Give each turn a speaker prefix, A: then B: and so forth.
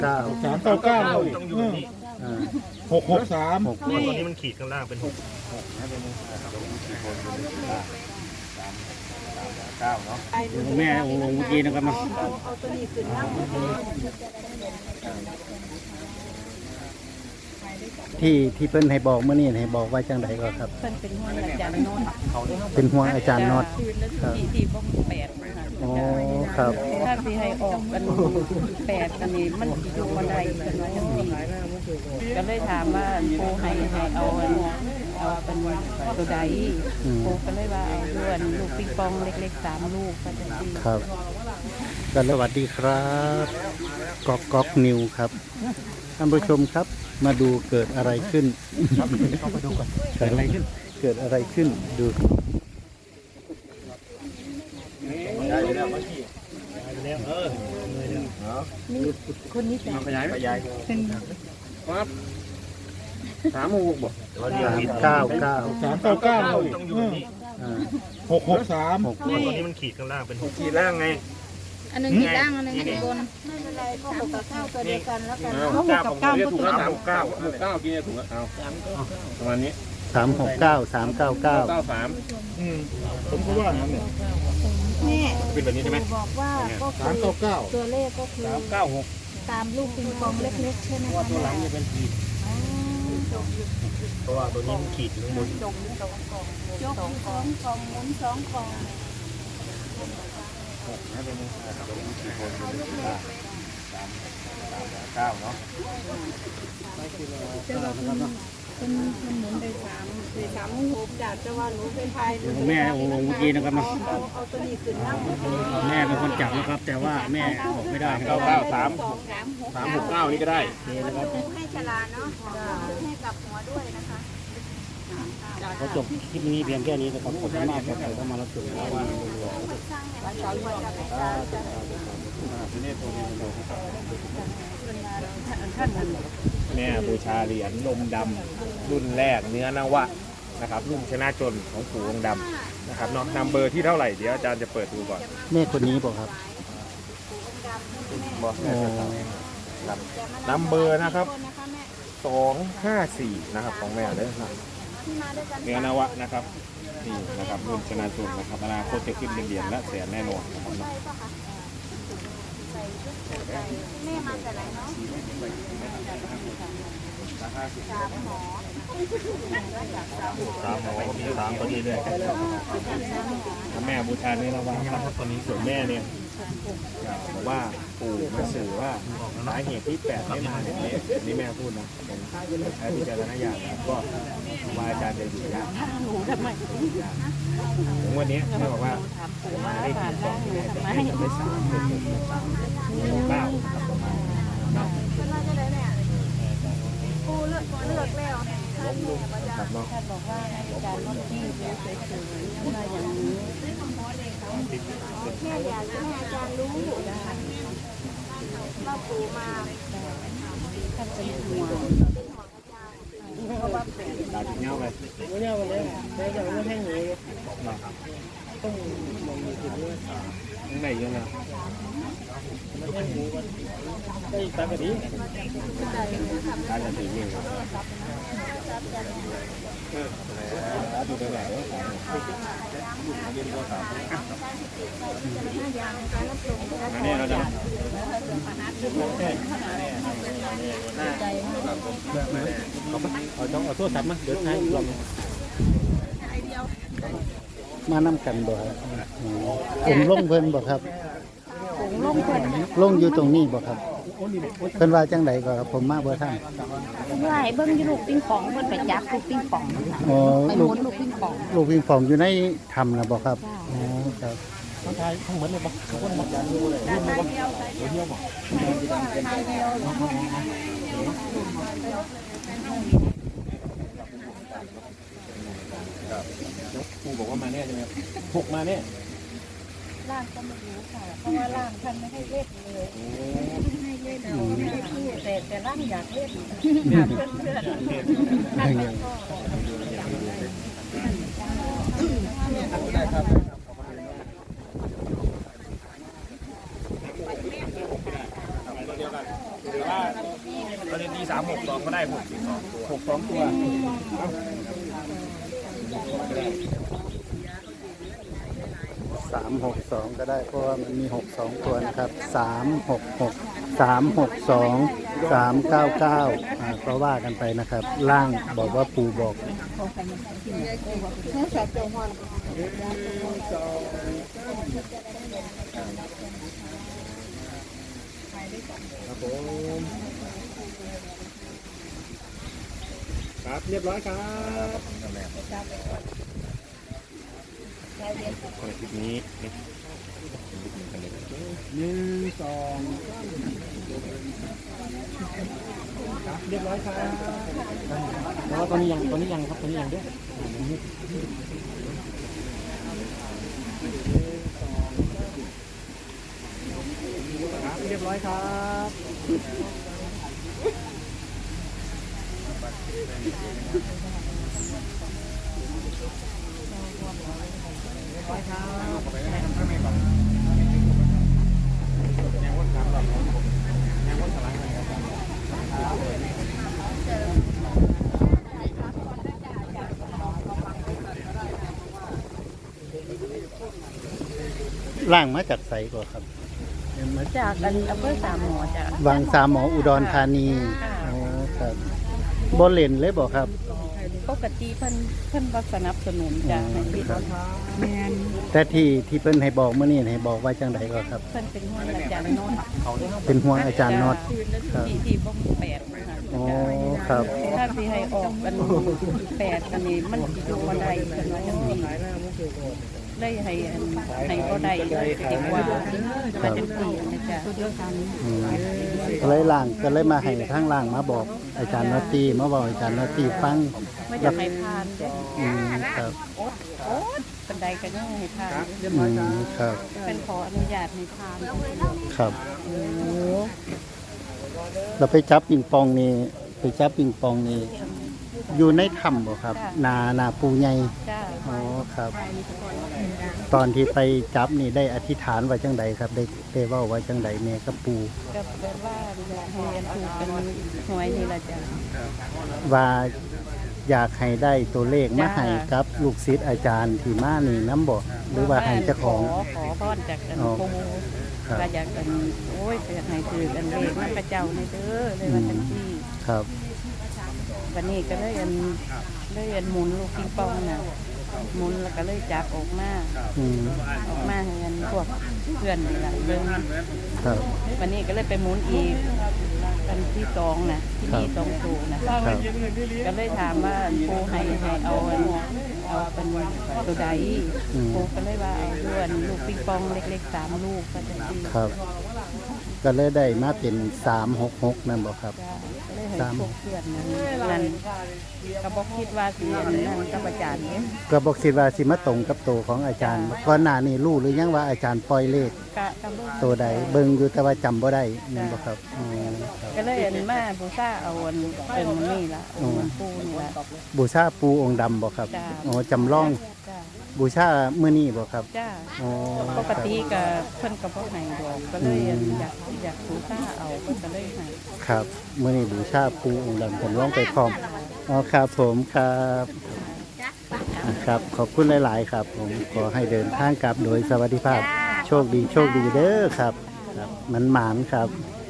A: 399
B: ต้องอยู่แบบนี้
A: 663
B: ตอนนี้มันขีดข้างล่างเป็น6เนาะ
C: แม่องค์ลงเมื่อกี้นะครับมาที่เพิ่นให้บอกเมื่อนี้ให้บอกไว้จังไดก็ครับ
D: เพิ่นเป็นห่วงอาจารย์โนนท์
C: เป็นห่วงอาจารย์น็อตครับ
D: ที่บ้องแปดนะคะ
C: อ๋อครับ
D: ถ้าสิให้ออกกันแปดกันนี่มันสิอยู่บ่ได้เพิ่นว่าจังซี่ก็เลยถามว่าปูให้เอาเป็นตัวใดปูก็เลยว่าเอาด้วนลูกปิงปองเล็กๆ3ลูกก็จังซี่
C: ครับกันสวัสดีครับก๊อกนิวครับท่านผู้ชมครับมาดูเกิดอะไรขึ้นเข้าไปดูก่อนเกิดอะไรขึ้นเกิดอะไรขึ้นดู
D: คนนี้จะ
B: ขยาย
D: เป็น
B: ครับ3 6บ่
C: 399
B: ต้องอยู่แบบนี้
A: 663
B: ตอนนี้มันขีดข้างล่างเป็น6ขีดล่างไง
E: อันนึงขีดล่างอันนึงขีดบนไม่เป็นไรก็6กับ9ตัวเดียวกันแล้วกัน
B: 6กับ9ก็ถูกแล้ว369กินถูกแล้วเอาประมาณนี้
C: 369 399
A: ผมก็ว่างั้นเนี่ย
E: แม่
B: เป็นแบบนี้ใช่ไหม
E: บอกว่าก็คือ
A: 399
E: ตัวเลขก็คือตามลูกปิงปองเล็กๆใช่ไหมคะตัวหลังจะเป็นขีด
B: เพราะว่าตัวนี้มันขีดอยู่ข้างบน
E: ยก2กล่องหมุน2กล่อง
B: 9เนาะ
E: เป็นหมุนไป3 6จากจะว่าหนูเป็นพาย
C: แม่องค์ลงเมื่อกี้นะครับมา
E: เอาตัวนี้ขึ้นนั่ง
C: แม่เป็นคนจับนะครับ แต่ว่าแม่บอกไม่ได้ครับ
B: 369นี่ก็ได้
E: ให้ฉลาเนาะให้กับหัวด้วยนะคะ
C: เขาจบคลิปนี้เพียงแค่นี้นะครับขอบคุณมากครับใครเข้ามารับชมนะว่า
B: แม่บูชาเหรียญนมดำรุ่นแรกเนื้อนวะนะครับรุ่นชนะจนของปู่องค์ดำนะครับเนาะนำเบอร์ที่เท่าไหร่เดี๋ยวอาจารย์จะเปิดดูก่อน
C: แม่คนนี้บอกครับ
B: บอกแม่ครับนำเบอร์นะครับ254นะครับของแม่เลยนะเนื้อนวะนะครับนี่นะครับรุ่นชนะจนนะครับอนาคตจะขึ้นเป็นเหรียญและแสนแน่นอนนะครับเนาะ
E: แม่มาแต่ไหนเนาะ3 หมอ
B: 3พอดีเลยแม่บูชาเนื้อนวะครับตอนนี้ส่วนแม่เนี่ยบอกว่าปู่มาสื่อว่าสาเหตุที่8ไม่มาเนี่ยนี่แม่พูดนะผมใช้พิจารณญาณก็ว่าอาจารย์จะอยู่ยาก
D: หนูทำไม
B: ถึงวันนี้แม่บอกว่ามาได้ทีสองที่แม่จะให้ทำได้3 9ครับประมาณครับ
E: เป็นว่าจะได้แม่กูเลือกแล้ว
B: ครับเนาะ
D: ท่านบอกว่าให้อาจารย์น็อตตี้ดูเฉยๆว่าอย่างนี้
E: แม่อยากจะให้อาจารย์รู้ว่าปู่มา
D: ท่านเป็นห่วง
B: ตาถึงเงาไปยังไงยังไงตากระดิ่งตากระดิ่งนี่ดูได้ไหมนี่เราจะเอาโทรศัพท์มาเดี๋ยวใช้ลอง
C: มานำกันบ่ครับผมลงเพิ่นบ่ครับ
D: ผงลงเพิ่น
C: ลงอยู่ตรงนี้บ่ครับเพิ่นว่าจังไดก็ครับผมมาบ่ทัน
D: ว่าให้เบิ่งอยู่ลูกปิงปองเพิ่นไปจับลูกปิงปอง
C: อ๋อ
D: ไปห
C: ลู
D: มุ
C: ก
D: นลูกปิงปอง
C: ลูกปิงปองอยู่ในถ้ำนะบ่ครับอ๋อครับ
B: ต้องทายทั้งเหมือนเลยปะคนหมดอย่างรู้เลยเรื่องปะเดียวครูบอกว่ามาแน่ใช่ไหม6มาแน่
D: ร่างก็ไม่รู้ค่ะเพราะว่าร่างท่านไม่ให้เล่นเลยให้เล่นไม่ได้พูดแต่ร่างอยากเล่นอยากเพื่อนท่านก็
B: ได้ครับตัวเดียวกันหรือว่าก็เลยตี362ก็ได้6 2ตัว
C: 362ก็ได้เพราะว่ามันมี62ตัวนะครับ366 362 399ก็ว่ากันไปนะครับ ล่างบอกว่าปู่บอก
B: ครับผมครับเรียบร้อยครับคลิปนี้1 2ครับเรียบร้อยครับแล้วตอนนี้ยังครับตอนนี้ยังด้วยครับเรียบร้อยครับ
C: ล่างมาจากไสก่อนครับมา
D: จากอันอำเภอสามหมอจ้ะ
C: วังสามหมออุดรธานีอ๋อครับบ่เล่นเลยบ่ครับ
D: ปกติเพิ่นบ่สนับสนุนจ้ะให้ปิดแม่น
C: แต่ที่เพิ่นให้บอกเมื่อนี้ให้บอกว่าจังไดก็ครับ
D: เพิ่นเป็นห่วงอาจารย์โนนท์
C: เป็นห่วงอาจารย์น็อตครับ
D: ที่บ่แปดนะคะ
C: อ๋อครับ
D: ถ้าสิให้ออกเป็นแปดอันนี้มันสิอยู่บ่ได้เพิ่นว่าจังซี่ได้ให้บ่ได้ดีกว่าว่าจังซี่นะจ๊ะ
C: อืมก็เลยล่างก็เลยมาให้ทางล่างมาบอกอาจารย์นอตตี้มาบอกอาจารย์นอตตี้ฟัง
D: ไม่จะให้ทานเด้อ
C: อืมครับ
D: โอ๊ตบันไดก็ยังให้ทาน
C: อืมครับ
D: เป็นขออนุญาตให้ทาน
C: ครับเราไปจับปิงปองนี่ไปจับปิงปองนี่อยู่ในถ้ำบ่ครับ นาปูใหญ่
D: จ้า
C: อ๋อครับ ตอนที่ไปจับนี่ได้อธิษฐานไว้จังใดครับ ได้เว้าไว้จังใดแม่กับปู
D: ก็แปลว่าอยากให้อันถูกเป็นหวยนี่ล่ะจ้ะ
C: ว่าอยากให้ได้ตัวเลขมาให้กับลูกศิษย์อาจารย์ที่มานี่น้ำบ่หรือว่าให้เจ้าของ
D: ขอพรจากอัน
C: อ๋อ
D: ปู
C: ครับ
D: ก็อยากกันโอ้ยอยากให้คืออันเลขมันพระเจ้าในเด้อเลยว่าจังซี่
C: ครับ
D: วันนี้ก็เลยอันหมุนลูกปิงปองน่ะหมุนแล้วก็เลยจับออกมา
C: อืม
D: ให้อันพวกเพื่อนนี่ล่ะเบิ่ง
C: ครับ
D: วันนี้ก็เลยไปหมุนอีกอันที่สองนะที่มีสองตัวนะครับ ก็เลยถามว่าปูให้เอาเป็นตัวใดปูก็เลยว่าเอาด้วนลูกปิงปองเล็กๆ3 ลูกก็จะดี
C: ครับ ก็เลยได้มาเป็น366นั่นบ่ครับ
D: จ้าก็เลยให้พวกเพื่อนนั่นก็บอกคิดว่าสิอันนั่นกับอาจารย์เนี่ย
C: ก็บอกคิดว่าสิมาตรงกับตัวของอาจารย์ก่อนหน้านี้รู้หรือยังว่าอาจารย์ปล่อยเลข
D: กะเบิ่ง
C: ตัวใดเบิ่งอยู่แต่ว่าจำบ่ได้นั่นบ่ครับอ๋อครับ
D: ก็เลยอันมาบูชาเอาอันเป็นนี่ล่ะเอาอันปูนี่ล่ะ
C: บูชาปูองค์ดำบ่ครับ
D: จ้า
C: อ๋อจำลอง
D: จ้า
C: บูชามื้อนี้บ่ครับ
D: จ้า
C: อ๋อ
D: ปกติก็เพิ่นก็บ่ให้ดอกก็เลยอยากบูชาเอาเพิ่นก็เลยให้
C: ครับมื้อนี้บูชาปูองค์ดำจำลองไปพร้อมอ๋อครับผมครับครับ ขอบคุณหลาย ๆ ครับ ผมขอให้เดินทางกลับโดยสวัสดิภาพ โชคดีเด้อครับ ครับมันหมานครับ